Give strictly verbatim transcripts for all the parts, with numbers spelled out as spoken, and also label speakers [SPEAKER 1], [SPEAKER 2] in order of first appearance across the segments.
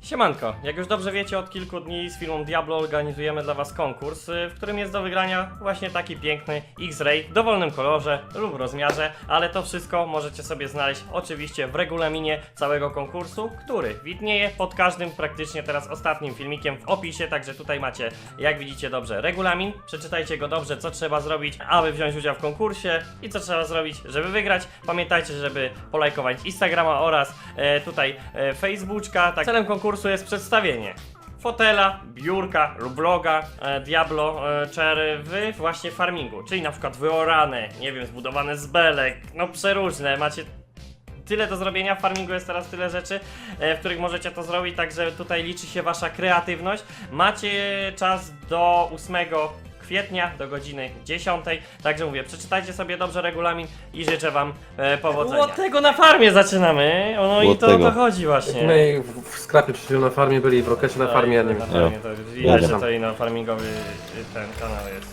[SPEAKER 1] Siemanko, jak już dobrze wiecie, od kilku dni z firmą Diablo organizujemy dla was konkurs, w którym jest do wygrania właśnie taki piękny X-Ray w dowolnym kolorze lub rozmiarze, ale to wszystko możecie sobie znaleźć oczywiście w regulaminie całego konkursu, który widnieje pod każdym praktycznie teraz ostatnim filmikiem w opisie, także tutaj macie, jak widzicie dobrze, regulamin, przeczytajcie go dobrze, co trzeba zrobić, aby wziąć udział w konkursie i co trzeba zrobić, żeby wygrać. Pamiętajcie, żeby polajkować Instagrama oraz e, tutaj e, Facebooka. Tak, celem konkursu jest przedstawienie fotela, biurka lub vloga e, Diablo e, Cherry w właśnie farmingu, czyli na przykład wyorane, nie wiem, zbudowane z belek, no przeróżne, macie tyle do zrobienia, w farmingu jest teraz tyle rzeczy, e, w których możecie to zrobić, także tutaj liczy się wasza kreatywność. Macie czas do ósmego kwietnia do godziny dziesiątej, także mówię, przeczytajcie sobie dobrze regulamin i życzę wam e, powodzenia. Od tego na farmie zaczynamy, no i
[SPEAKER 2] Od
[SPEAKER 1] to o to
[SPEAKER 2] tego.
[SPEAKER 1] chodzi właśnie.
[SPEAKER 3] My w, w skrapie przed chwilą na farmie byli, w Rokecie na
[SPEAKER 1] Tak,
[SPEAKER 3] farmie jednym.
[SPEAKER 1] na farmie to widać, że
[SPEAKER 3] Jadę.
[SPEAKER 1] to i na farmingowy y, ten kanał jest.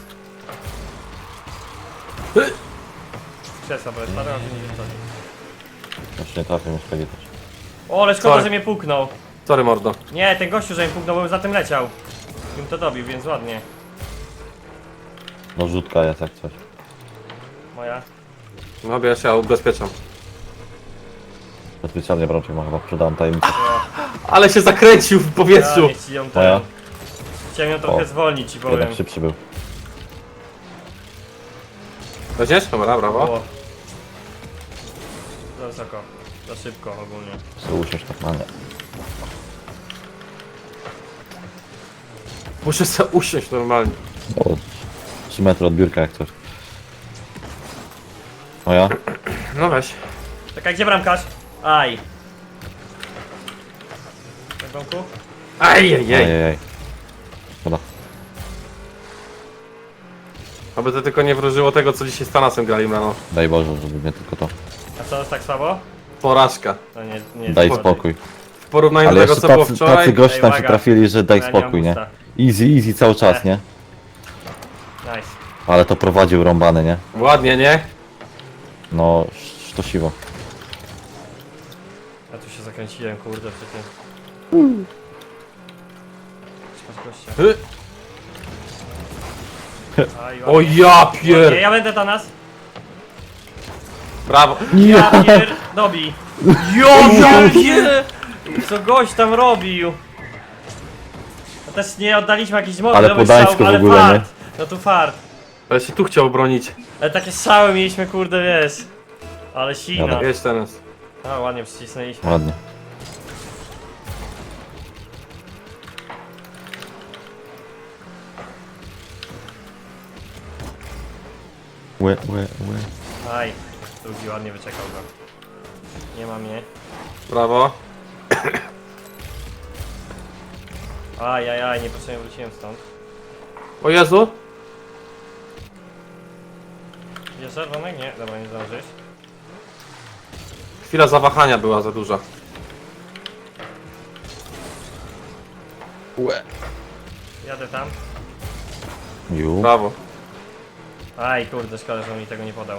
[SPEAKER 1] Krzesła, bo jest parę, ale nie wiem co.
[SPEAKER 2] Właśnie nie trafię, muszę powiedzieć.
[SPEAKER 1] O, ale szkoda,
[SPEAKER 3] Sorry.
[SPEAKER 1] że mnie puknął.
[SPEAKER 3] Sorry mordo.
[SPEAKER 1] Nie, ten gościu, że mnie puknął, bo za tym leciał. Bym to dobił, więc ładnie.
[SPEAKER 2] No rzutka jest jak coś.
[SPEAKER 1] Moja.
[SPEAKER 3] No ja się ubezpieczam.
[SPEAKER 2] Specjalnie bramczek ma chyba sprzedałem tajemnicę.
[SPEAKER 3] Ale się zakręcił w
[SPEAKER 1] Ja
[SPEAKER 3] powietrzu!
[SPEAKER 1] nie ci ją
[SPEAKER 2] Moja?
[SPEAKER 1] ten. Chciałem ją trochę
[SPEAKER 2] O.
[SPEAKER 1] zwolnić, ci powiem.
[SPEAKER 2] Jednak szybszy był.
[SPEAKER 3] Weźmiesz? Dobra, brawo.
[SPEAKER 1] Było. Za wysoko. Za szybko ogólnie.
[SPEAKER 2] Chcę usiąść tak na nie.
[SPEAKER 3] Muszę sobie usiąść normalnie.
[SPEAKER 2] O, trzy metry od biurka jak coś. Moja?
[SPEAKER 3] No weź.
[SPEAKER 1] Czekaj, gdzie bramkarz? Aj. Na domku?
[SPEAKER 3] Ajajaj.
[SPEAKER 2] Ejejej. Szkoda.
[SPEAKER 3] Aby to tylko nie wróżyło tego, co dzisiaj z Tanasem grali rano.
[SPEAKER 2] Daj Boże, żeby nie tylko to.
[SPEAKER 1] A co jest tak słabo?
[SPEAKER 3] Porażka.
[SPEAKER 1] To nie, nie
[SPEAKER 2] Daj
[SPEAKER 1] szkodzi.
[SPEAKER 2] spokój.
[SPEAKER 3] W porównaniu
[SPEAKER 2] Ale
[SPEAKER 3] do tego,
[SPEAKER 2] jeszcze
[SPEAKER 3] co było
[SPEAKER 2] tacy,
[SPEAKER 3] wczoraj.
[SPEAKER 2] tacy goście
[SPEAKER 1] Ej,
[SPEAKER 2] tam się
[SPEAKER 1] uwaga.
[SPEAKER 2] trafili, że daj
[SPEAKER 1] Ja nie mam
[SPEAKER 2] spokój, nie?
[SPEAKER 1] gusta.
[SPEAKER 2] Easy, easy cały czas,
[SPEAKER 1] Eh.
[SPEAKER 2] nie?
[SPEAKER 1] Nice.
[SPEAKER 2] Ale to prowadził rąbany, nie?
[SPEAKER 3] Ładnie, nie?
[SPEAKER 2] No, sztosiwo.
[SPEAKER 1] Ja tu się zakręciłem, kurde, przy tym. Patrz gościa.
[SPEAKER 3] Hy.
[SPEAKER 1] Aj,
[SPEAKER 3] O
[SPEAKER 1] ładnie.
[SPEAKER 3] ja
[SPEAKER 1] Ładnie,
[SPEAKER 3] pier...
[SPEAKER 1] ja będę Tanas.
[SPEAKER 3] Brawo.
[SPEAKER 1] Ja pier... Dobij. Ja pier... Co gość tam robił? No też nie oddaliśmy jakichś
[SPEAKER 2] Ale
[SPEAKER 1] modelowych
[SPEAKER 2] podańsko
[SPEAKER 1] strzałów,
[SPEAKER 2] w
[SPEAKER 1] ale
[SPEAKER 2] ogóle,
[SPEAKER 1] fart. No tu fart.
[SPEAKER 3] Ale się tu chciał bronić.
[SPEAKER 1] Ale takie strzały mieliśmy, kurde, wiesz. Ale sina.
[SPEAKER 2] Dobra.
[SPEAKER 3] Jedź teraz.
[SPEAKER 1] A, ładnie przycisnęliśmy.
[SPEAKER 2] Ładnie. Łe, łe, łe.
[SPEAKER 1] Aj, drugi ładnie wyczekał go. Nie ma mnie.
[SPEAKER 3] Brawo.
[SPEAKER 1] Aj, aj, aj, niepotrzebnie wróciłem stąd.
[SPEAKER 3] O Jezu.
[SPEAKER 1] Wiesz, czerwonek? Nie, dobra, nie zdążysz.
[SPEAKER 3] Chwila zawahania była za duża.
[SPEAKER 2] Łe.
[SPEAKER 1] Jadę tam.
[SPEAKER 2] Ju.
[SPEAKER 3] Brawo.
[SPEAKER 1] Aj, kurde, szkoda, że on mi tego nie podał.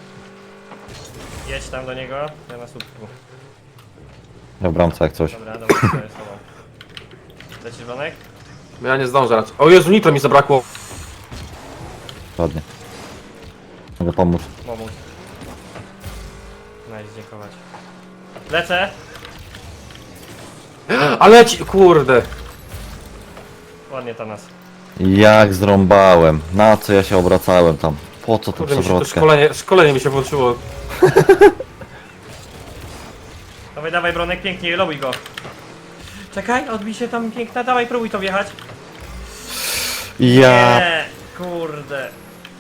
[SPEAKER 1] Jedź tam do niego, ja na słupku.
[SPEAKER 2] Ja w bramce jak coś.
[SPEAKER 1] Dobra, dobra, to jest sobą. Lecisz, Bronek?
[SPEAKER 3] Ja nie zdążę raczej. O Jezu, nitro mi zabrakło.
[SPEAKER 2] Ładnie. Mogę pomóc.
[SPEAKER 1] Pomóc. Nice, dziękować. Lecę!
[SPEAKER 3] Ale ci... Kurde.
[SPEAKER 1] Ładnie to nas.
[SPEAKER 2] Jak zrąbałem. Na co ja się obracałem tam? Po co tu
[SPEAKER 3] Kurde, mi się to
[SPEAKER 2] przewrotkę?
[SPEAKER 3] szkolenie, szkolenie mi się włączyło.
[SPEAKER 1] Dawaj, dawaj, Bronek, pięknie, lobuj go. Czekaj, odbij się tam piękna, dawaj, próbuj to wjechać.
[SPEAKER 2] Ja...
[SPEAKER 1] Nie, kurde.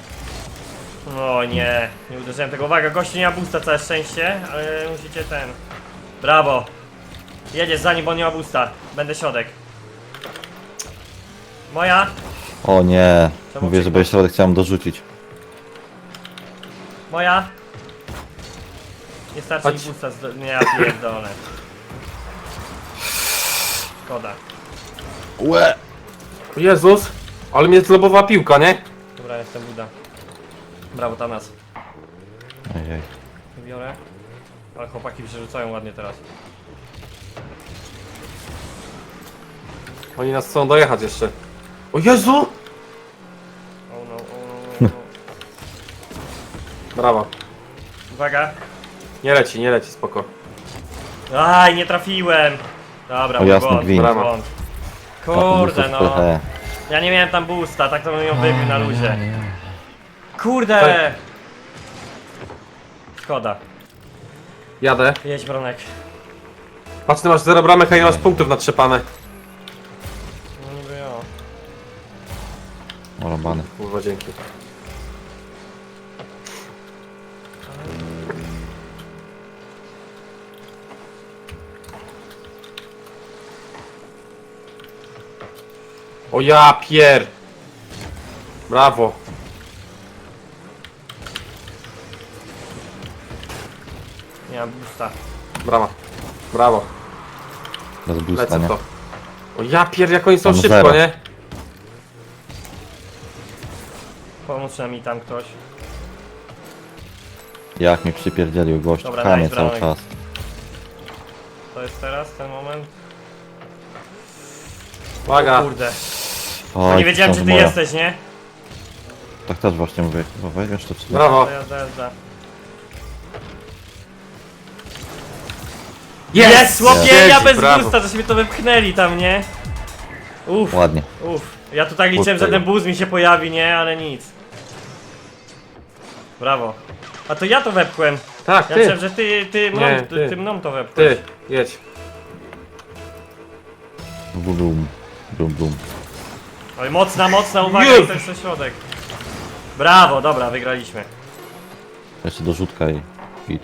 [SPEAKER 1] O nie, nie uderzyłem tego. Uwaga, gościu nie ma boosta, całe szczęście, ale musicie ten... Brawo. Jedziesz za nim, bo on nie ma boosta. Będę środek. Moja.
[SPEAKER 2] O nie.
[SPEAKER 1] Czemu
[SPEAKER 2] Mówię, żeby środek chciałem dorzucić.
[SPEAKER 1] Moja. Nie starczy mi
[SPEAKER 3] Chodź.
[SPEAKER 1] boosta, z... nie, ja pierdolę. Szkoda.
[SPEAKER 2] Łe.
[SPEAKER 3] O Jezus. Ale mnie zlobowała piłka, nie?
[SPEAKER 1] Dobra, jestem Buda. Brawo, Tanas.
[SPEAKER 2] Ojej.
[SPEAKER 1] Biorę. Ale chłopaki przerzucają ładnie teraz.
[SPEAKER 3] Oni nas chcą dojechać jeszcze. O Jezu!
[SPEAKER 1] Oh no, oh no, oh no.
[SPEAKER 3] Brawo.
[SPEAKER 1] Uwaga.
[SPEAKER 3] Nie leci, nie leci, spoko.
[SPEAKER 1] Aj, nie trafiłem. Dobra,
[SPEAKER 2] O,
[SPEAKER 1] mój
[SPEAKER 2] jasny
[SPEAKER 1] błąd, mój
[SPEAKER 3] gwint.
[SPEAKER 1] błąd. Kurde
[SPEAKER 2] Tak,
[SPEAKER 1] no.
[SPEAKER 2] he.
[SPEAKER 1] Ja nie miałem tam boosta, tak to bym ją wybił na luzie. Kurde! Szkoda.
[SPEAKER 3] Jadę.
[SPEAKER 1] Jedź, Bronek.
[SPEAKER 3] Patrz, ty masz zero bramek, a nie masz punktów natrzepane.
[SPEAKER 1] No niby jo.
[SPEAKER 2] O, rąbany.
[SPEAKER 3] Kurwa, dzięki. O ja pier! Brawo.
[SPEAKER 1] Nie mam boosta.
[SPEAKER 3] Brawa. Brawo.
[SPEAKER 2] Bez boosta,
[SPEAKER 3] Lecę w
[SPEAKER 2] nie?
[SPEAKER 3] to. O ja pier, jak oni są
[SPEAKER 2] Mam
[SPEAKER 3] szybko,
[SPEAKER 2] zero.
[SPEAKER 3] nie?
[SPEAKER 1] Pomóż mi tam ktoś.
[SPEAKER 2] Jak mi przypierdzielił gość,
[SPEAKER 1] Dobra,
[SPEAKER 2] pchanie
[SPEAKER 1] nice,
[SPEAKER 2] cały
[SPEAKER 1] brawo.
[SPEAKER 2] czas.
[SPEAKER 1] To jest teraz ten moment?
[SPEAKER 3] Uwaga.
[SPEAKER 1] O kurde.
[SPEAKER 2] Oj,
[SPEAKER 1] Nie wiedziałem, czy ty
[SPEAKER 2] moja.
[SPEAKER 1] jesteś, nie?
[SPEAKER 2] Tak też właśnie mówię, bo weźmiesz to czy nie?
[SPEAKER 3] Brawo.
[SPEAKER 1] To jazda, jazda.
[SPEAKER 3] Jest!
[SPEAKER 1] Chłopie,
[SPEAKER 3] Siedzi,
[SPEAKER 1] ja bez
[SPEAKER 3] brawo.
[SPEAKER 1] boosta, żeśmy to wypchnęli tam, nie? Uff,
[SPEAKER 2] Ładnie.
[SPEAKER 1] uff. Ja tu tak liczyłem, że
[SPEAKER 2] Kurde.
[SPEAKER 1] ten boost mi się pojawi, nie? Ale nic. Brawo. A to ja to wepchłem.
[SPEAKER 3] Tak,
[SPEAKER 1] Ja
[SPEAKER 3] ty.
[SPEAKER 1] myślałem, że ty, ty, mną,
[SPEAKER 3] Nie,
[SPEAKER 1] ty.
[SPEAKER 3] ty.
[SPEAKER 1] ty mną to wepchłeś.
[SPEAKER 3] Ty, jedź.
[SPEAKER 2] Bum, bum, bum, bum.
[SPEAKER 1] Oj, mocna, mocna, uwaga,
[SPEAKER 3] Już.
[SPEAKER 1] i to jest ten środek. Brawo, dobra, wygraliśmy.
[SPEAKER 2] Jeszcze dorzutka i... i...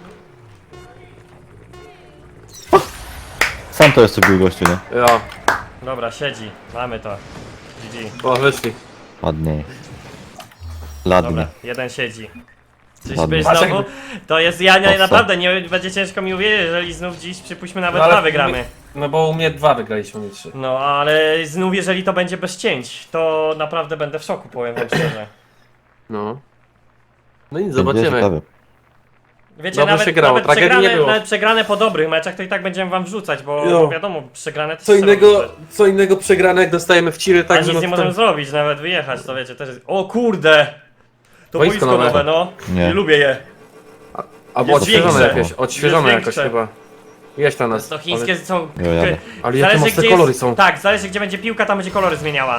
[SPEAKER 2] Sam to jeszcze bił gościu, nie?
[SPEAKER 3] Ja.
[SPEAKER 1] Dobra, siedzi. Mamy to. G G.
[SPEAKER 3] O, wyszli.
[SPEAKER 2] Ładniej. Ładnie.
[SPEAKER 1] Dobra, jeden siedzi. Czyś
[SPEAKER 2] Ładnie.
[SPEAKER 1] byś
[SPEAKER 3] Patrz,
[SPEAKER 1] znowu?
[SPEAKER 3] jakby-
[SPEAKER 1] To jest, ja nie,
[SPEAKER 2] Owca.
[SPEAKER 1] naprawdę nie będzie ciężko mi uwierzyć, jeżeli znów dziś przypuśćmy nawet
[SPEAKER 3] No, ale
[SPEAKER 1] dwa wygramy.
[SPEAKER 3] No bo u mnie dwa wygraliśmy, nie trzy.
[SPEAKER 1] No ale znów jeżeli to będzie bez cięć, to naprawdę będę w szoku, powiem wam szczerze.
[SPEAKER 3] No. No nic,
[SPEAKER 2] Będzie
[SPEAKER 3] zobaczymy.
[SPEAKER 2] ciekawy.
[SPEAKER 1] Wiecie,
[SPEAKER 3] Dobrze
[SPEAKER 1] nawet,
[SPEAKER 3] się grało,
[SPEAKER 1] nawet,
[SPEAKER 3] tragedii nie
[SPEAKER 1] przegrane,
[SPEAKER 3] było.
[SPEAKER 1] nawet przegrane po dobrych meczach, to i tak będziemy wam wrzucać, bo
[SPEAKER 3] Jo.
[SPEAKER 1] no wiadomo, przegrane to
[SPEAKER 3] Co
[SPEAKER 1] się trzeba
[SPEAKER 3] innego,
[SPEAKER 1] wrzucać.
[SPEAKER 3] co innego przegrane, jak dostajemy w ciry,
[SPEAKER 1] A
[SPEAKER 3] tak,
[SPEAKER 1] nic
[SPEAKER 3] że no
[SPEAKER 1] nie
[SPEAKER 3] to
[SPEAKER 1] możemy
[SPEAKER 3] tam-
[SPEAKER 1] zrobić, nawet wyjechać, to wiecie, też jest... O kurde! To
[SPEAKER 3] Boisko
[SPEAKER 1] boisko
[SPEAKER 3] nowe.
[SPEAKER 1] nowe, no.
[SPEAKER 2] Nie.
[SPEAKER 1] Nie lubię je.
[SPEAKER 3] Albo
[SPEAKER 1] Jest
[SPEAKER 3] odświeżone
[SPEAKER 1] większe.
[SPEAKER 3] jakieś, odświeżone
[SPEAKER 1] Jest
[SPEAKER 3] jakoś
[SPEAKER 1] większe.
[SPEAKER 3] chyba. Jeźdź tam nas.
[SPEAKER 1] To chińskie są...
[SPEAKER 2] Jo, jadę.
[SPEAKER 3] Ale jakie mocne
[SPEAKER 1] gdzie
[SPEAKER 3] kolory
[SPEAKER 1] jest,
[SPEAKER 3] są.
[SPEAKER 1] Tak, zależy gdzie będzie piłka, tam będzie kolory zmieniała.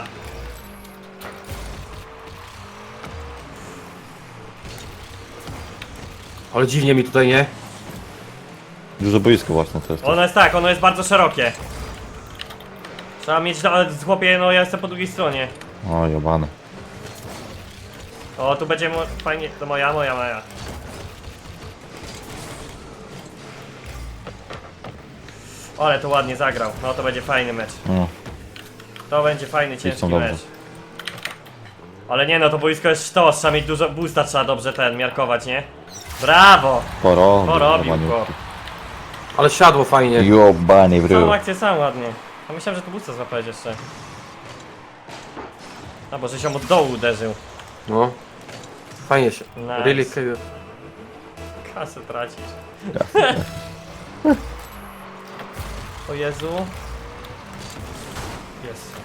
[SPEAKER 3] Ale dziwnie mi tutaj, nie?
[SPEAKER 2] Duże boisko właśnie to jest.
[SPEAKER 1] Ono jest tak, ono jest bardzo szerokie. Trzeba mieć, ale chłopie, no ja jestem po drugiej stronie.
[SPEAKER 2] O, jobany.
[SPEAKER 1] O, tu będzie mo fajnie, to moja, moja, moja. O, ale to ładnie zagrał, no to będzie fajny mecz.
[SPEAKER 2] No,
[SPEAKER 1] To będzie fajny, ciężki
[SPEAKER 2] są dobrze.
[SPEAKER 1] mecz. Ale nie no, to boisko jest sztos, trzeba mieć dużo boosta, trzeba dobrze ten, miarkować, nie? Brawo!
[SPEAKER 2] porobił.
[SPEAKER 1] Porobił
[SPEAKER 2] jobany.
[SPEAKER 1] go.
[SPEAKER 3] Ale siadło fajnie.
[SPEAKER 2] Jobany w
[SPEAKER 1] Całą
[SPEAKER 2] rył.
[SPEAKER 1] akcję sam ładnie. A myślałem, że to boosta złapałeś jeszcze. A bo że się od dołu uderzył.
[SPEAKER 3] No. Fajnie się.
[SPEAKER 1] Nice.
[SPEAKER 3] Really
[SPEAKER 1] Kasę tracisz. O Jezu. Jest.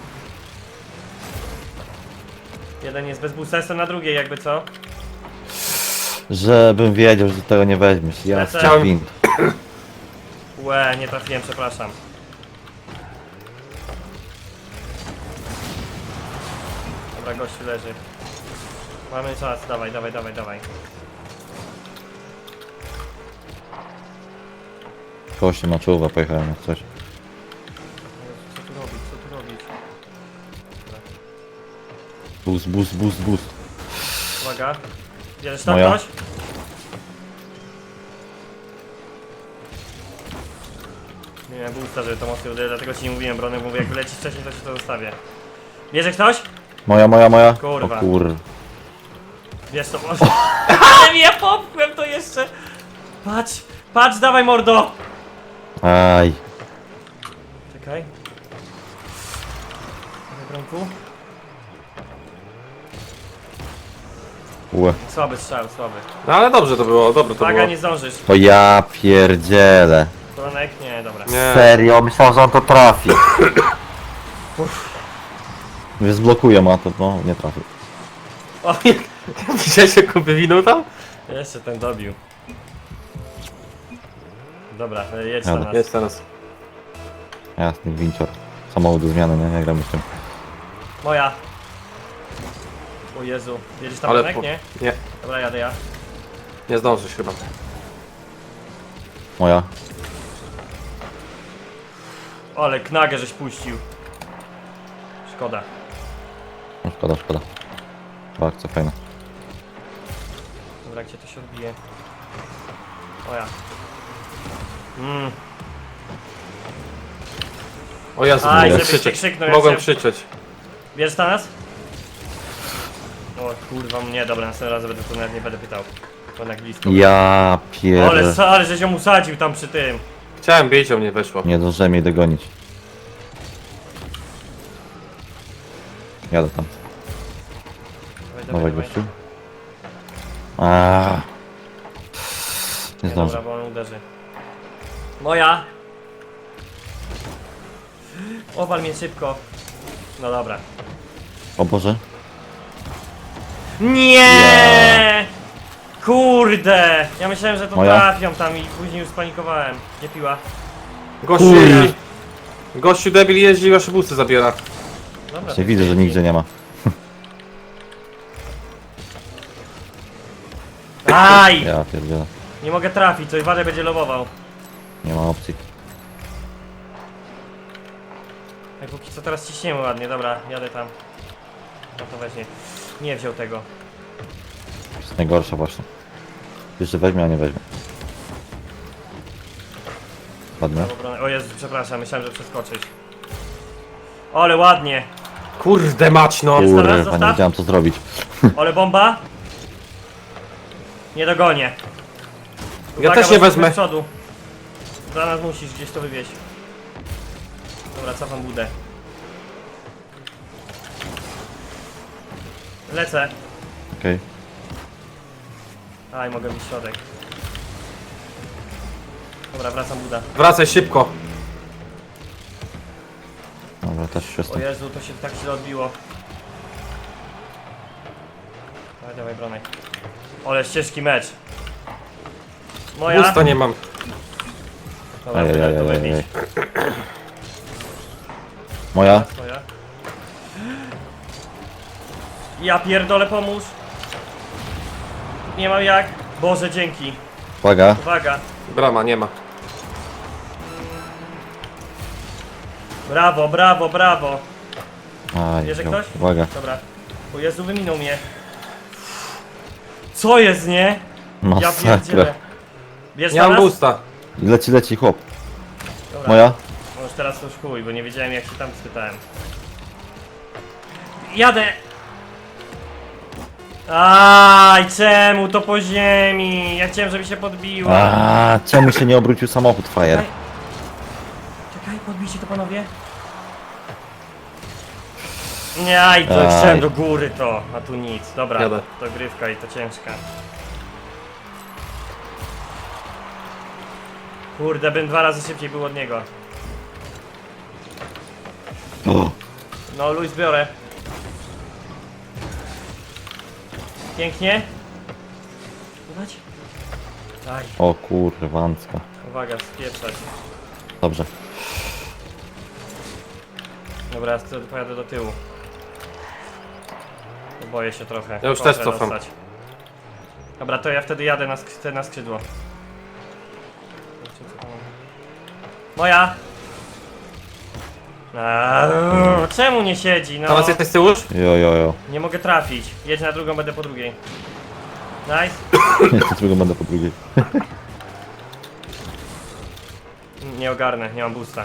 [SPEAKER 1] Jeden jest bez boosta, jestem na drugiej jakby co?
[SPEAKER 2] Żebym wiedział, że tego nie weźmiesz. Ja
[SPEAKER 1] Lecę.
[SPEAKER 2] chciałem wind.
[SPEAKER 1] Łe, nie trafiłem, przepraszam. Dobra, gościu leży. Mamy czas, dawaj, dawaj, dawaj, dawaj.
[SPEAKER 2] Kości na czołówę pojechałem jak coś.
[SPEAKER 1] Co tu robić, co tu robić?
[SPEAKER 2] Boost, boost, boost, boost.
[SPEAKER 1] Uwaga. Bierzesz tam
[SPEAKER 2] Moja.
[SPEAKER 1] ktoś? Nie miałem boosta, żeby to mocno uderzyć, dlatego ci nie mówiłem, Brony, mówię, jak lecisz wcześniej, to ci to zostawię. Bierze ktoś?
[SPEAKER 2] Moja, moja, moja.
[SPEAKER 1] Kurwa.
[SPEAKER 2] O kur...
[SPEAKER 1] Wiesz to może. Ale mnie popchłem to jeszcze! Patrz, patrz, dawaj mordo!
[SPEAKER 2] Aj.
[SPEAKER 1] Czekaj. Dawaj, Bronku.
[SPEAKER 2] Ue.
[SPEAKER 1] Słaby strzał, słaby.
[SPEAKER 3] No ale dobrze to było, dobre to
[SPEAKER 1] Uwaga,
[SPEAKER 3] było.
[SPEAKER 1] nie zdążysz.
[SPEAKER 2] To ja pierdzielę.
[SPEAKER 1] Bronek? Nie, dobra.
[SPEAKER 3] Nie.
[SPEAKER 2] Serio, myślałem, że on to trafi. Mnie zblokuje ma to, no nie trafił.
[SPEAKER 3] O, jak... Widziałeś jak on wywinął tam?
[SPEAKER 1] Jeszcze ten dobił. Dobra, e, jedź
[SPEAKER 2] Jadę.
[SPEAKER 1] na nas.
[SPEAKER 3] Jest teraz.
[SPEAKER 2] Jasny wincior. Samochód do zmiany, nie? Nie gramy z tym.
[SPEAKER 1] Moja. O Jezu. Jedziesz tam
[SPEAKER 3] Ale
[SPEAKER 1] Benek?
[SPEAKER 3] po...
[SPEAKER 1] Nie?
[SPEAKER 3] Nie,
[SPEAKER 1] Dobra, jadę ja.
[SPEAKER 3] nie zdążysz chyba.
[SPEAKER 2] Moja.
[SPEAKER 1] Ale knagę żeś puścił. Szkoda.
[SPEAKER 2] No szkoda, szkoda. Bardzo fajna.
[SPEAKER 1] Dobra, gdzie to się odbije? O ja. Mm.
[SPEAKER 3] O Jezu,
[SPEAKER 1] Aj,
[SPEAKER 3] mogłem
[SPEAKER 1] żebyś się
[SPEAKER 3] krzyczeć.
[SPEAKER 1] krzyknął, jak
[SPEAKER 3] Mogłem
[SPEAKER 1] się-
[SPEAKER 3] krzyczeć.
[SPEAKER 1] Bierzesz na nas? O kurwa mnie, dobra, następnym razem będę to nawet nie będę pytał. To na blisko.
[SPEAKER 2] Ja
[SPEAKER 1] Ale,
[SPEAKER 2] pier...
[SPEAKER 1] ale żeś ją usadził tam przy tym.
[SPEAKER 3] Chciałem bić, a mnie weszło.
[SPEAKER 2] Nie zdążyłem jej dogonić. Jadę tam.
[SPEAKER 1] Dawaj,
[SPEAKER 2] Dawaj
[SPEAKER 1] dawaj, dawaj.
[SPEAKER 2] gościu. Aaaa. Nie
[SPEAKER 1] Nie, dobra,
[SPEAKER 2] zdążę.
[SPEAKER 1] bo on uderzy. Moja! Owal mnie szybko. No dobra.
[SPEAKER 2] O Boże.
[SPEAKER 1] Nie! Kurde! Ja myślałem, że to
[SPEAKER 2] Moja?
[SPEAKER 1] trafią tam i później już spanikowałem. Gdzie piła?
[SPEAKER 3] Gościu
[SPEAKER 2] Kurde.
[SPEAKER 3] jeździ. Gościu debil jeździ i wasze busy zabiera.
[SPEAKER 1] Dobra.
[SPEAKER 2] Właśnie widzę, że nigdzie nie ma.
[SPEAKER 1] Aj!
[SPEAKER 2] Ja pierdzielę.
[SPEAKER 1] Nie mogę trafić, coś Wadek będzie lobował.
[SPEAKER 2] Nie ma opcji.
[SPEAKER 1] Jak póki co teraz ciśniemy ładnie, dobra, jadę tam. No to weźmie. Nie wziął tego.
[SPEAKER 2] To jest najgorsze właśnie. Jeszcze weźmie, a nie weźmie. Ładnie.
[SPEAKER 1] Prawo obronę. O Jezu, przepraszam, myślałem, że przeskoczysz. Ale ładnie.
[SPEAKER 3] Kurde mać no.
[SPEAKER 1] Jest.
[SPEAKER 2] Kurwa, nie
[SPEAKER 1] zostaw.
[SPEAKER 2] wiedziałem co zrobić.
[SPEAKER 1] Ale bomba. Nie dogonię.
[SPEAKER 3] Ja też
[SPEAKER 1] bo
[SPEAKER 3] nie
[SPEAKER 1] jesteśmy
[SPEAKER 3] wezmę.
[SPEAKER 1] z przodu. Za nas musisz gdzieś to wywieźć. Dobra, cofam budę. Lecę.
[SPEAKER 2] Okej.
[SPEAKER 1] Aj, mogę mieć środek. Dobra, wracam buda.
[SPEAKER 3] Wracaj szybko.
[SPEAKER 2] Dobra, też się
[SPEAKER 1] O
[SPEAKER 2] stąd.
[SPEAKER 1] Jezu, to się tak źle odbiło. Dawaj, dawaj, bronek. Ale ścieżki mecz. Moja.
[SPEAKER 3] Busta nie mam.
[SPEAKER 1] Dobra,
[SPEAKER 2] Ajajaj,
[SPEAKER 1] tyle to
[SPEAKER 2] ajajaj.
[SPEAKER 1] wybić.
[SPEAKER 2] Moja?
[SPEAKER 1] Twoja. Ja pierdolę, pomóż. Nie mam jak. Boże, dzięki.
[SPEAKER 2] Uwaga.
[SPEAKER 1] Uwaga.
[SPEAKER 3] Brama nie ma.
[SPEAKER 1] Brawo, brawo, brawo.
[SPEAKER 2] Aj,
[SPEAKER 1] Bierze
[SPEAKER 2] wziął.
[SPEAKER 1] ktoś?
[SPEAKER 2] Uwaga.
[SPEAKER 1] Dobra. O Jezu, wyminął mnie. Co jest, nie? Ja
[SPEAKER 2] Masakra.
[SPEAKER 1] pierdzielę. Bierz
[SPEAKER 3] Nie
[SPEAKER 1] na
[SPEAKER 3] mam
[SPEAKER 1] nas?
[SPEAKER 3] busta.
[SPEAKER 2] Leci, leci chłop.
[SPEAKER 1] Dobra.
[SPEAKER 2] Moja?
[SPEAKER 1] No już teraz to już chuj, bo nie wiedziałem jak się tam spytałem. Jadę! Aj, czemu to po ziemi? Ja chciałem, żeby się podbiła.
[SPEAKER 2] A, czemu się nie obrócił samochód, frajer?
[SPEAKER 1] Czekaj, Czekaj podbijcie to panowie. Nie, aj, to
[SPEAKER 2] Aj.
[SPEAKER 1] chciałem do góry to, a tu nic. Dobra,
[SPEAKER 3] Jadę.
[SPEAKER 1] to grywka i to ciężka. Kurde, bym dwa razy szybciej był od niego.
[SPEAKER 2] O,
[SPEAKER 1] No, Luis biorę. Pięknie. Udać? Aj,
[SPEAKER 2] o kurwancka.
[SPEAKER 1] uwaga, spieprzać.
[SPEAKER 2] Dobrze.
[SPEAKER 1] Dobra, ja wtedy pojadę do tyłu. Boję się trochę.
[SPEAKER 3] Ja już
[SPEAKER 1] Kontrę
[SPEAKER 3] też cofam.
[SPEAKER 1] dostać. Dobra, to ja wtedy jadę na, sk na skrzydło. Moja! Aaaa, czemu nie siedzi? No,
[SPEAKER 3] Teraz jesteś z tyłu już?
[SPEAKER 2] Jo, jo, jo.
[SPEAKER 1] nie mogę trafić. Jedź na drugą, będę po drugiej. Nice.
[SPEAKER 2] Jeszcze drugą będę po drugiej.
[SPEAKER 1] Nie ogarnę, nie mam boosta.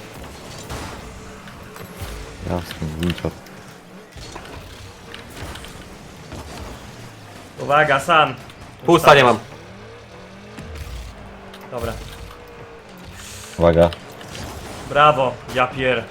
[SPEAKER 2] Jasny, wincior.
[SPEAKER 1] Uwaga, sam.
[SPEAKER 3] Busta nie mam.
[SPEAKER 1] Dobra,
[SPEAKER 2] Uwaga.
[SPEAKER 1] brawo, ja pier.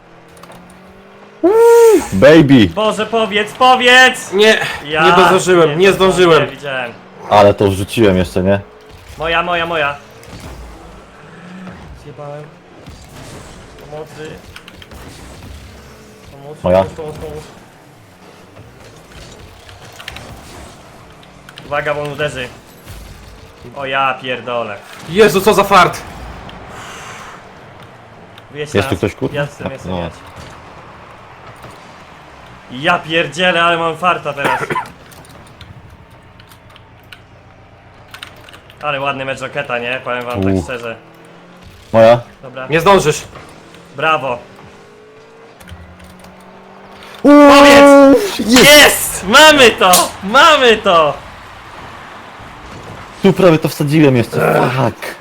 [SPEAKER 2] Baby!
[SPEAKER 1] Boże, powiedz, powiedz!
[SPEAKER 3] Nie,
[SPEAKER 1] Ja
[SPEAKER 3] nie zdążyłem, nie zdążyłem.
[SPEAKER 1] Nie widziałem.
[SPEAKER 2] Ale to wrzuciłem jeszcze, nie?
[SPEAKER 1] Moja, moja, moja. Zjebałem. Pomocy. Pomóż,
[SPEAKER 2] Moja.
[SPEAKER 1] pomóż, pomóż, pomóż. Uwaga, bo on uderzy. O ja pierdolę.
[SPEAKER 3] Jezu, co za fart!
[SPEAKER 1] Wyjedź
[SPEAKER 2] Jest
[SPEAKER 1] nas.
[SPEAKER 2] tu ktoś, kurwa?
[SPEAKER 1] Jestem, jestem,
[SPEAKER 2] No.
[SPEAKER 1] jedź. Ja pierdzielę, ale mam farta teraz. Ale ładny mecz Rocketa, nie? Powiem wam tak
[SPEAKER 2] Uff.
[SPEAKER 1] szczerze.
[SPEAKER 2] Moja?
[SPEAKER 1] Dobra,
[SPEAKER 3] Nie zdążysz!
[SPEAKER 1] brawo.
[SPEAKER 2] Powiedz! Jest!
[SPEAKER 1] Jest! Mamy to! Mamy to!
[SPEAKER 2] Tu prawie to wsadziłem jeszcze. Fuck.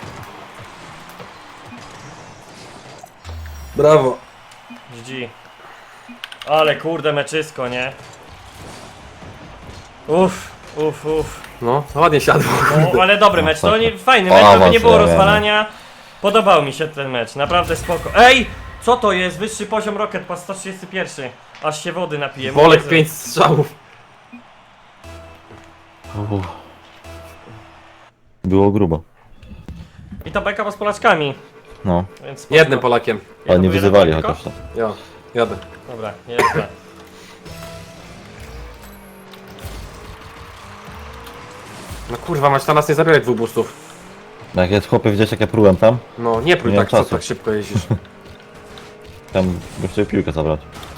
[SPEAKER 3] Brawo!
[SPEAKER 1] G G. Ale kurde meczysko, nie? Uff, uff, uff.
[SPEAKER 3] No, ładnie siadło.
[SPEAKER 1] O, ale dobry mecz, to nie, fajny mecz, żeby nie było rozwalania. Podobał mi się ten mecz, naprawdę spoko. Ej! Co to jest? Wyższy poziom Rocket Pass sto trzydzieści jeden. Aż się wody napiję.
[SPEAKER 3] Bolek
[SPEAKER 1] Jezu.
[SPEAKER 3] pięć strzałów.
[SPEAKER 2] Uff. Było grubo.
[SPEAKER 1] I to beka z Polaczkami.
[SPEAKER 2] No.
[SPEAKER 1] Więc spoko.
[SPEAKER 3] Jednym Polakiem.
[SPEAKER 2] Ale nie
[SPEAKER 1] Jeden
[SPEAKER 2] wyzywali
[SPEAKER 1] tylko?
[SPEAKER 2] chociaż tam.
[SPEAKER 3] Jo, jadę.
[SPEAKER 1] Dobra, nie jest źle.
[SPEAKER 3] No kurwa, masz na nas nie zabierać dwóch boostów.
[SPEAKER 2] Jak jest chłopie, widziałeś jak ja prułem tam?
[SPEAKER 3] No, nie prój
[SPEAKER 2] Nie mam
[SPEAKER 3] tak, co
[SPEAKER 2] czasu.
[SPEAKER 3] tak szybko jeździsz.
[SPEAKER 2] Tam bym chciał piłkę zabrać.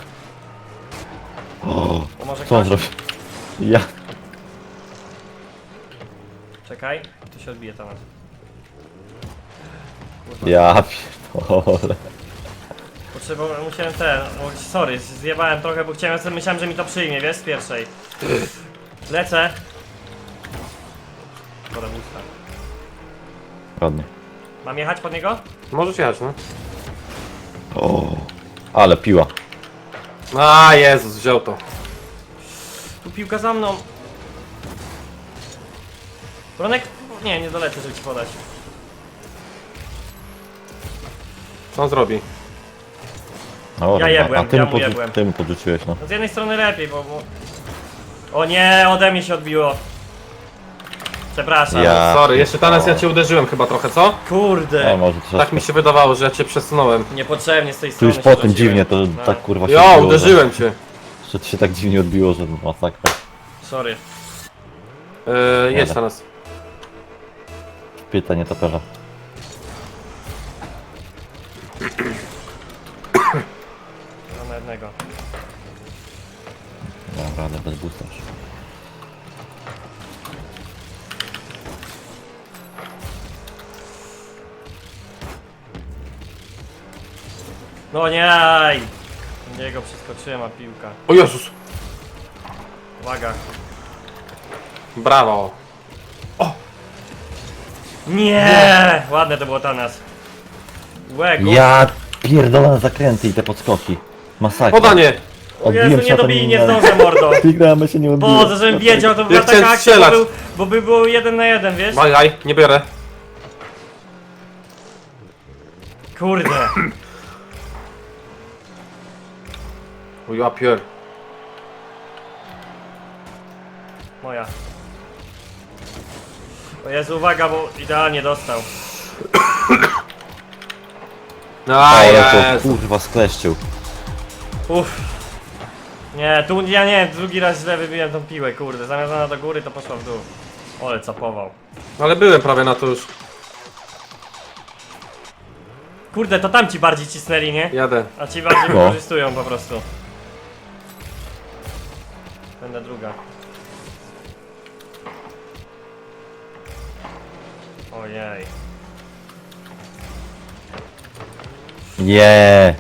[SPEAKER 2] O,
[SPEAKER 1] O, może
[SPEAKER 2] co on
[SPEAKER 1] Kasia?
[SPEAKER 2] zrobił? Ja.
[SPEAKER 1] Czekaj, tu się odbije temat. Kurwa.
[SPEAKER 2] Ja pierdolę.
[SPEAKER 1] Potrzebowałem, musiałem ten, o, sorry, zjebałem trochę, bo chciałem, myślałem, że mi to przyjmie, wiesz, z pierwszej. Lecę. Dobra, busta.
[SPEAKER 2] Ładnie.
[SPEAKER 1] Mam jechać pod niego?
[SPEAKER 3] Możesz jechać, no.
[SPEAKER 2] O, ale piła.
[SPEAKER 3] A Jezus, wziął to.
[SPEAKER 1] Tu piłka za mną. Bronek? Nie, nie dolecę, żeby ci podać.
[SPEAKER 3] Co on zrobi?
[SPEAKER 2] O,
[SPEAKER 1] Ja jebłem,
[SPEAKER 2] a ty,
[SPEAKER 1] ja
[SPEAKER 2] mu
[SPEAKER 1] mu
[SPEAKER 2] podrzu-
[SPEAKER 1] jebłem.
[SPEAKER 2] ty mu podrzuciłeś, no.
[SPEAKER 1] No z jednej strony lepiej, bo... bo... O nie, ode mnie się odbiło. Przepraszam.
[SPEAKER 2] Ja-
[SPEAKER 3] Sorry, jeszcze teraz
[SPEAKER 2] o.
[SPEAKER 3] ja cię uderzyłem chyba trochę, co?
[SPEAKER 1] Kurde.
[SPEAKER 2] O, może troszkę.
[SPEAKER 3] Tak mi się wydawało, że ja cię przesunąłem.
[SPEAKER 1] Niepotrzebnie z tej
[SPEAKER 2] Tu
[SPEAKER 1] strony
[SPEAKER 2] już
[SPEAKER 1] się
[SPEAKER 2] po tym
[SPEAKER 1] rzuciłem.
[SPEAKER 2] dziwnie to
[SPEAKER 1] No,
[SPEAKER 2] tak kurwa się
[SPEAKER 3] Jo,
[SPEAKER 2] odbiło,
[SPEAKER 3] uderzyłem cię.
[SPEAKER 2] Że, że to się tak dziwnie odbiło, że masakra.
[SPEAKER 1] Sorry.
[SPEAKER 3] Yy, jedź
[SPEAKER 2] Jadę.
[SPEAKER 3] na nas.
[SPEAKER 2] Pytanie toperza.
[SPEAKER 1] Mam na jednego.
[SPEAKER 2] Dobra, ale bez boosta już.
[SPEAKER 1] No nie! Niego przeskoczyłem, a piłka.
[SPEAKER 3] O Jezus!
[SPEAKER 1] Uwaga.
[SPEAKER 3] Brawo!
[SPEAKER 1] Nie! Ładne to było Tanas. Łe, go.
[SPEAKER 2] Ja pierdolę zakręty i te podskoki. Masakra.
[SPEAKER 3] Podanie!
[SPEAKER 1] O Jezu, nie dobij, nie zdążę, mordo.
[SPEAKER 2] Wygramy się nie odbiło.
[SPEAKER 1] Boże, żebym wiedział, to była
[SPEAKER 3] Ja chciałem
[SPEAKER 1] taka akcja, bo
[SPEAKER 3] strzelać.
[SPEAKER 1] był, bo by było jeden na jeden, wiesz?
[SPEAKER 3] Bajaj, nie biorę.
[SPEAKER 1] Kurde.
[SPEAKER 3] O ja pier.
[SPEAKER 1] Moja. O Jezu, uwaga, bo idealnie dostał.
[SPEAKER 3] No
[SPEAKER 2] Ale to
[SPEAKER 3] Jezu.
[SPEAKER 2] kurwa skleszczył.
[SPEAKER 1] Uff. Nie, tu ja nie, drugi raz źle wybiłem tą piłę, kurde. Zamiast ona do góry, to poszła w dół. Ole, capował.
[SPEAKER 3] Ale byłem prawie na to już.
[SPEAKER 1] Kurde, to tam ci bardziej cisnęli, nie?
[SPEAKER 3] Jadę.
[SPEAKER 1] A ci bardziej
[SPEAKER 2] No.
[SPEAKER 1] wykorzystują po prostu. Będę druga. Ojej.
[SPEAKER 2] Nie.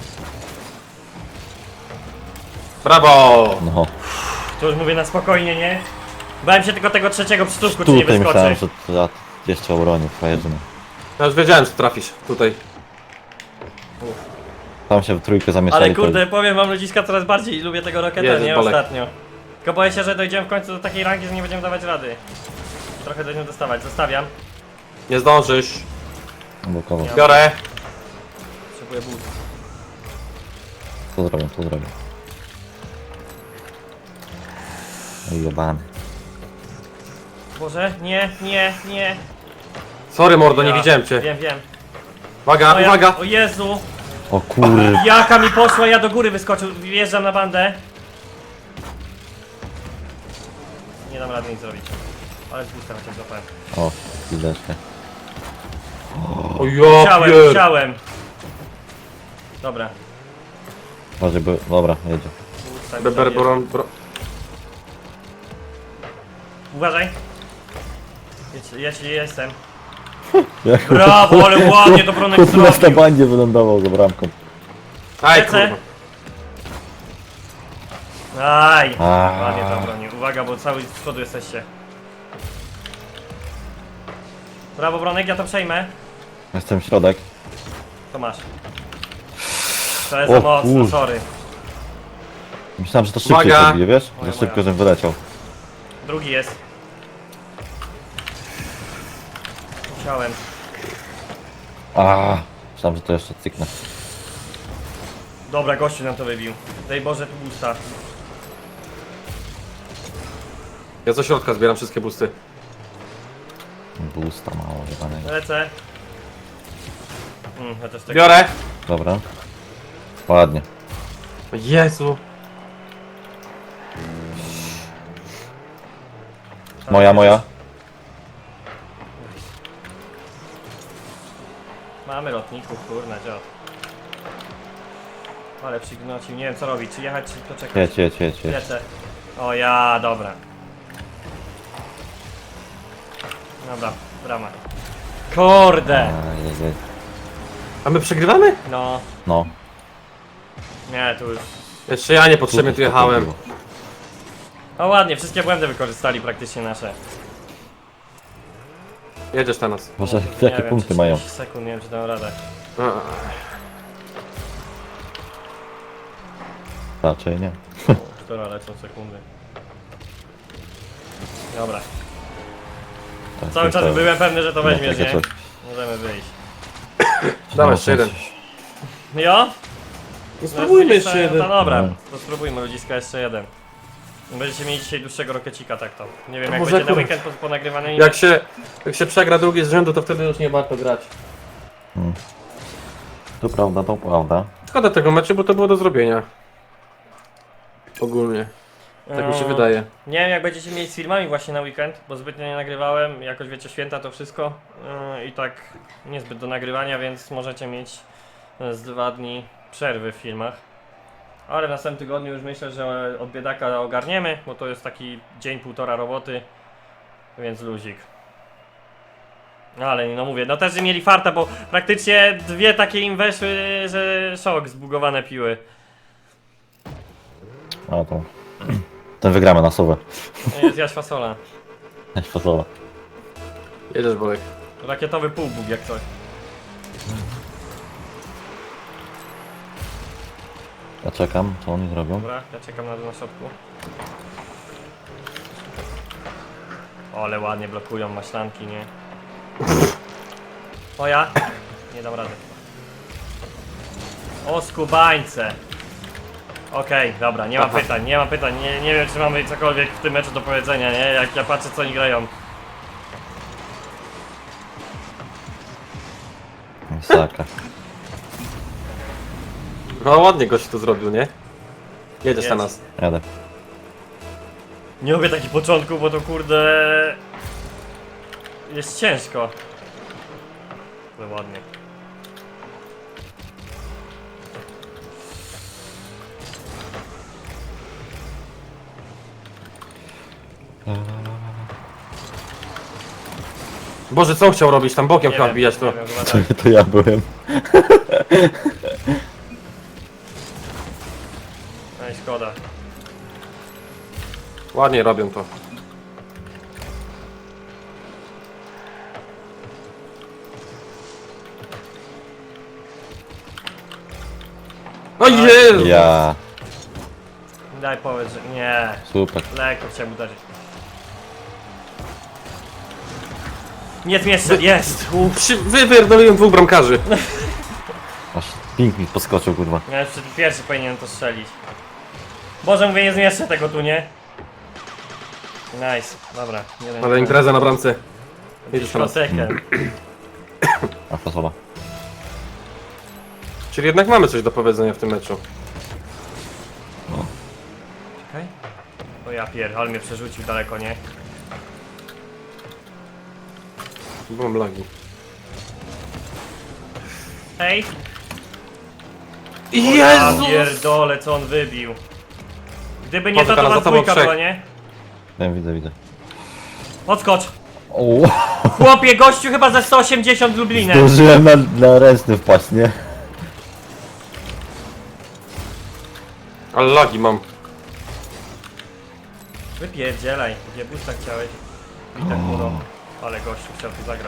[SPEAKER 3] Brawo!
[SPEAKER 2] No.
[SPEAKER 1] Tu już mówię na spokojnie, nie? Bałem się tylko tego trzeciego przytuszku, czy nie
[SPEAKER 2] Tutaj myślałem,
[SPEAKER 1] wyskoczy.
[SPEAKER 2] że to ja jeszcze obronię frajerzyny.
[SPEAKER 3] Ja już wiedziałem, że trafisz. Tutaj.
[SPEAKER 2] Tam się w trójkę zamieszali.
[SPEAKER 1] Ale kurde, powiem wam ludziska, coraz bardziej lubię tego Rocketa,
[SPEAKER 3] Jezus,
[SPEAKER 1] nie?
[SPEAKER 3] Bolek.
[SPEAKER 1] Ostatnio. Tylko boję się, że dojdziemy w końcu do takiej rangi, że nie będziemy dawać rady. Trochę będziemy dostawać, zostawiam.
[SPEAKER 3] Nie zdążysz.
[SPEAKER 2] To... Blokował.
[SPEAKER 3] Biorę.
[SPEAKER 1] Potrzebuję but.
[SPEAKER 2] Co zrobię, co zrobię. Oj, jebany.
[SPEAKER 1] Boże, nie, nie, nie.
[SPEAKER 3] Sorry mordo, nie
[SPEAKER 1] Ja-
[SPEAKER 3] widziałem cię.
[SPEAKER 1] Wiem, wiem.
[SPEAKER 3] Uwaga,
[SPEAKER 1] O ja-
[SPEAKER 3] uwaga!
[SPEAKER 1] O Jezu!
[SPEAKER 2] O kur...
[SPEAKER 1] Jaka mi poszła, ja do góry wyskoczył, wjeżdżam na bandę. Nie dam rady nic zrobić. Ale z busta chociaż złapałem.
[SPEAKER 2] O, chwileczkę.
[SPEAKER 3] O ja
[SPEAKER 1] Chciałem,
[SPEAKER 3] pier...
[SPEAKER 1] chciałem. Dobra.
[SPEAKER 2] Może by... Dobra, jedzie.
[SPEAKER 1] Busta mi
[SPEAKER 3] Beber,
[SPEAKER 1] zabierze.
[SPEAKER 3] bro, bro.
[SPEAKER 1] Uważaj. Ja, ja ci jestem.
[SPEAKER 2] Jak
[SPEAKER 1] Brawo, ale ładnie to Bronek
[SPEAKER 2] Kup na
[SPEAKER 1] zrobił.
[SPEAKER 2] bandzie wylądował za bramką.
[SPEAKER 3] Aj
[SPEAKER 1] Lecę.
[SPEAKER 3] kurwa.
[SPEAKER 1] Aj.
[SPEAKER 2] A.
[SPEAKER 1] Ładnie to broni. Uwaga, bo cały z przodu jesteście. Brawo Bronek, ja to przejmę.
[SPEAKER 2] Jestem w środek.
[SPEAKER 1] To masz. To jest
[SPEAKER 2] O
[SPEAKER 1] za mocno,
[SPEAKER 2] kur-
[SPEAKER 1] sorry.
[SPEAKER 2] Myślałem, że to szybciej
[SPEAKER 3] Uwaga!
[SPEAKER 2] sobie, wiesz?
[SPEAKER 1] Moja,
[SPEAKER 2] Że szybko,
[SPEAKER 1] moja.
[SPEAKER 2] żebym wyleciał.
[SPEAKER 1] Drugi jest. Musiałem.
[SPEAKER 2] A, myślałem, że to jeszcze cyknę.
[SPEAKER 1] Dobra, gościu nam to wybił. Daj Boże, tu busta.
[SPEAKER 3] Ja ze środka zbieram wszystkie busty.
[SPEAKER 2] Boosta mało chyba.
[SPEAKER 1] Lecę. Mm, ja też tak.
[SPEAKER 3] Biorę.
[SPEAKER 2] Dobra. Ładnie.
[SPEAKER 3] O Jezu.
[SPEAKER 2] Moja, moja.
[SPEAKER 1] Mamy lotników, kurna, dziad. Ale przygnocił, nie wiem co robić, czy jechać, czy poczekać.
[SPEAKER 2] Jedź, jedź, jedź, jedź.
[SPEAKER 1] Lecę. O ja, dobra. Dobra, brama. Kurde!
[SPEAKER 2] A, jedź, jedź.
[SPEAKER 3] A my przegrywamy?
[SPEAKER 1] No,
[SPEAKER 2] No.
[SPEAKER 1] nie, tu już...
[SPEAKER 3] Jeszcze ja niepotrzebnie tu jechałem.
[SPEAKER 1] O ładnie, wszystkie błędy wykorzystali praktycznie nasze.
[SPEAKER 3] Jedziesz na nas.
[SPEAKER 2] Boże,
[SPEAKER 1] Nie
[SPEAKER 2] jakie
[SPEAKER 1] wiem,
[SPEAKER 2] punkty
[SPEAKER 1] czy
[SPEAKER 2] mają?
[SPEAKER 1] trzydzieści sekund, nie wiem czy dam radę.
[SPEAKER 2] Raczej nie.
[SPEAKER 1] Która lecą sekundy. Dobra.
[SPEAKER 2] Tak,
[SPEAKER 1] Cały czas
[SPEAKER 2] to-
[SPEAKER 1] byłem pewny, że to
[SPEAKER 2] no,
[SPEAKER 1] weźmiesz,
[SPEAKER 2] takie
[SPEAKER 1] nie?
[SPEAKER 2] coś.
[SPEAKER 1] Możemy wyjść.
[SPEAKER 3] Dawaj,
[SPEAKER 2] No,
[SPEAKER 3] jeszcze jeden.
[SPEAKER 1] Jo?
[SPEAKER 3] No spróbujmy
[SPEAKER 1] No,
[SPEAKER 3] jeszcze jeden.
[SPEAKER 1] No dobra,
[SPEAKER 2] No.
[SPEAKER 1] to spróbujmy ludziska jeszcze jeden. Będziecie mieli dzisiaj dłuższego rokecika, tak to. Nie wiem,
[SPEAKER 3] A
[SPEAKER 1] jak
[SPEAKER 3] może
[SPEAKER 1] będzie na
[SPEAKER 3] kur-
[SPEAKER 1] weekend po, ponagrywany.
[SPEAKER 3] Jak się, jak się przegra drugi z rzędu, to wtedy już nie warto grać.
[SPEAKER 2] To prawda, to prawda.
[SPEAKER 3] Szkoda tego meczu, bo to było do zrobienia. Ogólnie. Tak mi się
[SPEAKER 1] No,
[SPEAKER 3] wydaje.
[SPEAKER 1] Nie wiem, jak będziecie mieli z filmami właśnie na weekend, bo zbytnio nie nagrywałem. Jakoś wiecie, święta to wszystko. Yy, I tak niezbyt do nagrywania, więc możecie mieć z dwa dni przerwy w filmach. Ale w następnym tygodniu już myślę, że od biedaka ogarniemy, bo to jest taki dzień, półtora roboty, więc luzik. Ale no mówię, no też mieli farta, bo praktycznie dwie takie im weszły, że szok, zbugowane piły.
[SPEAKER 2] A to... Ten wygramy na sowę.
[SPEAKER 1] Zjaś fasola.
[SPEAKER 2] Jakaś fasola.
[SPEAKER 3] Jedziesz, Bolek.
[SPEAKER 1] Rakietowy półbóg jak coś.
[SPEAKER 2] Ja czekam, co oni zrobią.
[SPEAKER 1] Dobra, ja czekam na, na środku. O, ale ładnie blokują maślanki, nie? O ja? Nie dam rady. O skubańce! Okej, dobra, nie mam
[SPEAKER 3] Aha.
[SPEAKER 1] pytań, nie mam pytań, nie, nie wiem czy mamy cokolwiek w tym meczu do powiedzenia, nie? Jak ja patrzę co oni grają.
[SPEAKER 2] Saka.
[SPEAKER 3] No ładnie gość to zrobił, nie? Jedziesz na
[SPEAKER 1] Jest.
[SPEAKER 3] nas.
[SPEAKER 2] Jadę.
[SPEAKER 1] Nie lubię takich początków, bo to kurde... Jest ciężko. No ładnie.
[SPEAKER 3] Boże, co on chciał robić? Tam bokiem
[SPEAKER 1] Nie
[SPEAKER 3] chyba
[SPEAKER 1] wiem,
[SPEAKER 3] wbijać to.
[SPEAKER 1] nie wiem, chyba
[SPEAKER 2] To,
[SPEAKER 1] tak.
[SPEAKER 2] to ja byłem.
[SPEAKER 1] No i szkoda.
[SPEAKER 3] Ładnie robią to. O Jezu!
[SPEAKER 2] Ja.
[SPEAKER 1] Daj powiedz, że nie.
[SPEAKER 2] Super.
[SPEAKER 1] Lekko chciałem uderzyć. Nie zmieszczę, jest! Uff.
[SPEAKER 3] Przy, wypierdoliłem dwóch bramkarzy.
[SPEAKER 2] Aż ping mi podskoczył, kurwa.
[SPEAKER 1] Ja jeszcze pierwszy powinienem to strzelić. Boże, mówię, nie zmieszczę tego tu, nie? Nice, dobra. Jeden,
[SPEAKER 3] Ale impreza na bramce. Jedziesz na nas.
[SPEAKER 1] Protekę.
[SPEAKER 2] A fasola.
[SPEAKER 3] Czyli jednak mamy coś do powiedzenia w tym meczu.
[SPEAKER 1] Czekaj. O ja pier, ale mnie przerzucił daleko, nie?
[SPEAKER 3] Bo mam lagi.
[SPEAKER 1] Hej! Ja
[SPEAKER 3] Jezu!
[SPEAKER 1] pierdolę, co on wybił. Gdyby nie
[SPEAKER 3] Poczekaj,
[SPEAKER 1] to, to
[SPEAKER 3] za
[SPEAKER 1] was
[SPEAKER 3] tobą
[SPEAKER 1] dwójka
[SPEAKER 3] trzech.
[SPEAKER 1] była, nie?
[SPEAKER 2] Ja widzę, widzę.
[SPEAKER 1] Odskocz!
[SPEAKER 2] O,
[SPEAKER 1] Chłopie, gościu chyba ze sto osiemdziesiąt Lublinem.
[SPEAKER 2] zdążyłem na, na ręczny wpaść, nie?
[SPEAKER 3] Ale lagi mam.
[SPEAKER 1] Wypierdzielaj, gdzie busta chciałeś? Witek muro. Ale gościu chciał tu zagrać.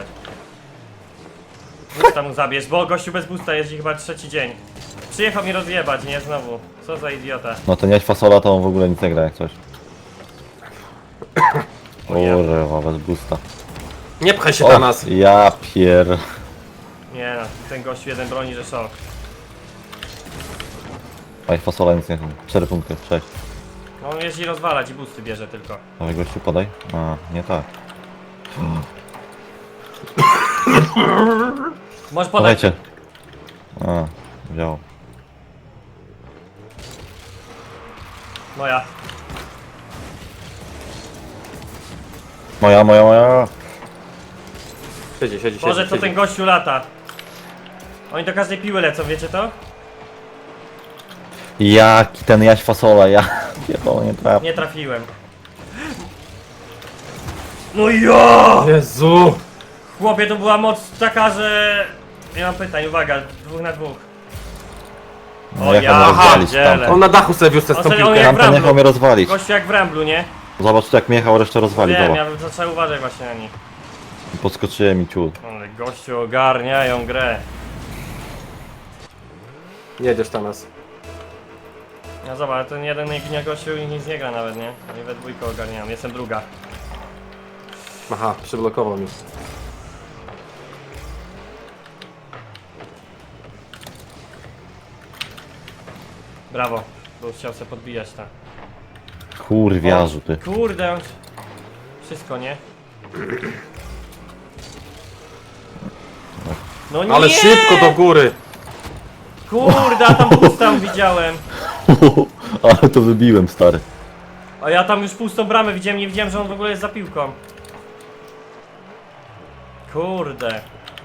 [SPEAKER 1] Busta mu zabierz, bo gościu bez busta jeździ chyba trzeci dzień. Przyjechał mi rozjebać, nie? Znowu. Co za idiota.
[SPEAKER 2] No ten jaś fasola to on w ogóle nic nie gra jak coś.
[SPEAKER 1] O ja.
[SPEAKER 2] Kurwa, bez boosta.
[SPEAKER 3] Nie pchaj się
[SPEAKER 2] O,
[SPEAKER 3] na nas.
[SPEAKER 2] ja pier...
[SPEAKER 1] Nie no, ten gościu jeden broni, że szok.
[SPEAKER 2] Jaś fasola nic nie... cztery punkty, sześć.
[SPEAKER 1] No on jeździ rozwalać i busty bierze tylko.
[SPEAKER 2] Dawaj gościu, podaj. A, nie tak.
[SPEAKER 1] Możesz podać.
[SPEAKER 2] Podajcie. A, wziął.
[SPEAKER 1] Moja.
[SPEAKER 2] Moja, moja, moja.
[SPEAKER 3] Siedzi, siedzi, siedzi.
[SPEAKER 1] Boże, co
[SPEAKER 3] siedzi.
[SPEAKER 1] ten gościu lata. Oni do każdej piły lecą, wiecie to?
[SPEAKER 2] Jaki ten jaś fasola, ja... Pierdolę, nie trafię.
[SPEAKER 1] Nie trafiłem. No ja!
[SPEAKER 3] Jezu!
[SPEAKER 1] Chłopie, to była moc taka, że... Nie mam pytań, uwaga, dwóch na dwóch.
[SPEAKER 2] No,
[SPEAKER 1] O
[SPEAKER 2] jak
[SPEAKER 1] ja
[SPEAKER 2] on rozwalić
[SPEAKER 1] pierdzielę.
[SPEAKER 2] tamten.
[SPEAKER 3] On na dachu sobie wiózł tę
[SPEAKER 1] On sobie- on
[SPEAKER 3] piłkę.
[SPEAKER 1] jak
[SPEAKER 2] Tamten
[SPEAKER 1] Wramblu.
[SPEAKER 2] jechał mnie rozwalić.
[SPEAKER 1] Gościu jak w Ramblu, nie?
[SPEAKER 2] Zobacz jak mnie jechał, resztę rozwali,
[SPEAKER 1] Wiem,
[SPEAKER 2] zobacz.
[SPEAKER 1] ja to trzeba uważać właśnie na nich.
[SPEAKER 2] Podskoczyłem i ciut.
[SPEAKER 1] Ale gościu ogarniają grę.
[SPEAKER 3] Jedziesz na nas.
[SPEAKER 1] No zobacz, ten jeden nie gościu i nic nie gra nawet, nie? Oni we dwójkę ogarniają, jestem druga.
[SPEAKER 3] Aha, przyblokował mi.
[SPEAKER 1] Brawo, bo chciał sobie podbijać tak.
[SPEAKER 2] Kurwiarzu ty.
[SPEAKER 1] Kurde, on... Wszystko, nie? No nie!
[SPEAKER 3] Ale szybko do góry!
[SPEAKER 1] Kurde, a tam pustą widziałem.
[SPEAKER 2] Ale to wybiłem, stary.
[SPEAKER 1] A ja tam już pustą bramę widziałem, nie widziałem, że on w ogóle jest za piłką. Kurde.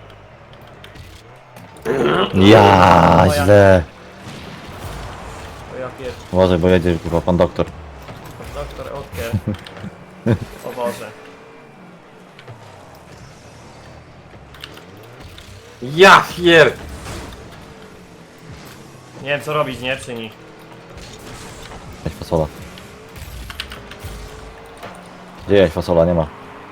[SPEAKER 2] Ja źle.
[SPEAKER 1] O ja pier...
[SPEAKER 2] Uważaj, bo jedzie chyba pan doktor.
[SPEAKER 1] Doktor Otker. O Boże.
[SPEAKER 3] Ja pier!
[SPEAKER 1] Nie wiem co robić, nie? Przy nich.
[SPEAKER 2] Jaś fasola. Gdzie jaś fasola? Nie ma.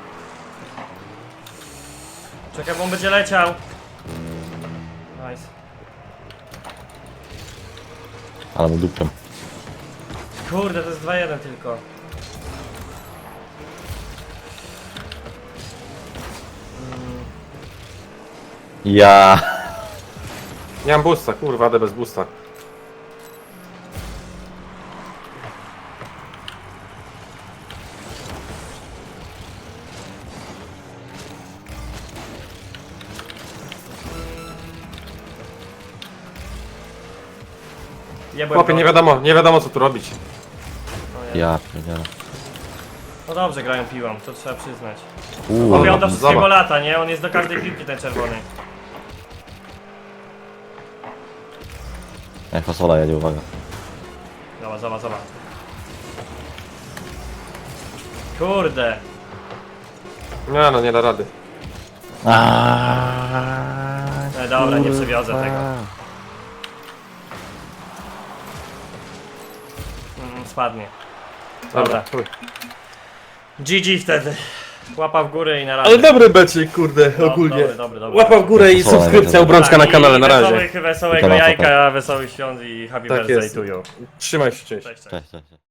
[SPEAKER 1] Czekaj, bo on będzie leciał. Nice.
[SPEAKER 2] Ale mu dupczem.
[SPEAKER 1] Kurde, to jest dwa jeden tylko.
[SPEAKER 2] Ja.
[SPEAKER 3] Nie mam boosta, kurwa, jadę bez boosta.
[SPEAKER 1] Jebłem
[SPEAKER 3] Chłopie,
[SPEAKER 1] go.
[SPEAKER 3] nie wiadomo, nie wiadomo co tu robić.
[SPEAKER 1] O nie.
[SPEAKER 2] Ja pierdzielę.
[SPEAKER 1] No dobrze grają piłą, to trzeba przyznać.
[SPEAKER 2] Uuu,
[SPEAKER 1] Chłopie, on do wszystkiego
[SPEAKER 3] zobacz.
[SPEAKER 1] lata, nie? On jest do każdej piłki ten czerwony.
[SPEAKER 2] jaś fasola jedzie, uwaga.
[SPEAKER 1] Zobacz, zobacz, zobacz. Kurde.
[SPEAKER 3] Nie no, nie da rady.
[SPEAKER 2] Aaaa,
[SPEAKER 1] E, dobra, nie przewiozę tego. Mm, spadnie. Dobra.
[SPEAKER 3] Dobra. chuj.
[SPEAKER 1] G G wtedy. Łapa w górę i na razie.
[SPEAKER 3] Ale dobry becik, kurde,
[SPEAKER 1] No,
[SPEAKER 3] ogólnie.
[SPEAKER 1] dobry, dobry, dobry.
[SPEAKER 3] Łapa w górę i
[SPEAKER 2] Wesołe,
[SPEAKER 3] subskrypcja,
[SPEAKER 2] wesołe.
[SPEAKER 3] obrączka na
[SPEAKER 1] Tak,
[SPEAKER 3] kanale,
[SPEAKER 1] i
[SPEAKER 3] na razie.
[SPEAKER 1] Wesołych, wesołego
[SPEAKER 2] I to na co
[SPEAKER 1] jajka, wesołych świąt i happy
[SPEAKER 3] Tak
[SPEAKER 1] birthday
[SPEAKER 3] jest.
[SPEAKER 1] to you.
[SPEAKER 3] Trzymaj się, cześć.
[SPEAKER 1] Cześć, cześć.
[SPEAKER 2] Cześć, cześć.